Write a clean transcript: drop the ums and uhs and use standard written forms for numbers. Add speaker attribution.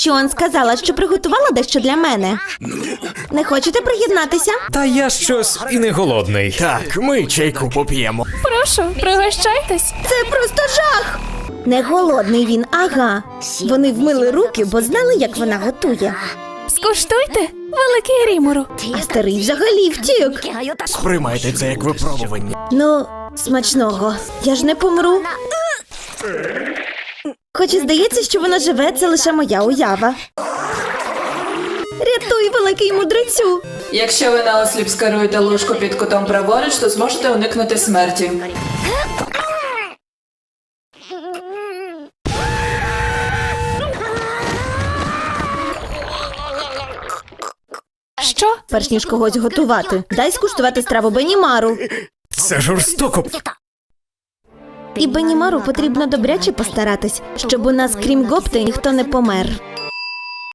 Speaker 1: Чон сказала, що приготувала дещо для мене. Не хочете приєднатися?
Speaker 2: Та я щось і не голодний.
Speaker 3: Так, ми чайку поп'ємо.
Speaker 4: Прошу, пригощайтесь.
Speaker 1: Це просто жах! Не голодний він, ага. Вони вмили руки, бо знали, як вона готує.
Speaker 4: Скуштуйте, великий Рімуру.
Speaker 1: А старий взагалі втік.
Speaker 3: Сприймайте це як випробування.
Speaker 1: Ну, смачного. Я ж не помру. Хоч і здається, що воно живе, це лише моя уява. Рятуй, великий мудрецю!
Speaker 5: Якщо ви наосліп скеруєте ложку під кутом праворуч, то зможете уникнути смерті.
Speaker 4: Що?
Speaker 1: Перш ніж когось готувати, дай скуштувати страву Бенімару.
Speaker 3: Це жорстоко.
Speaker 1: І Бенімару потрібно добряче постаратись, щоб у нас, крім Гопти, ніхто не помер.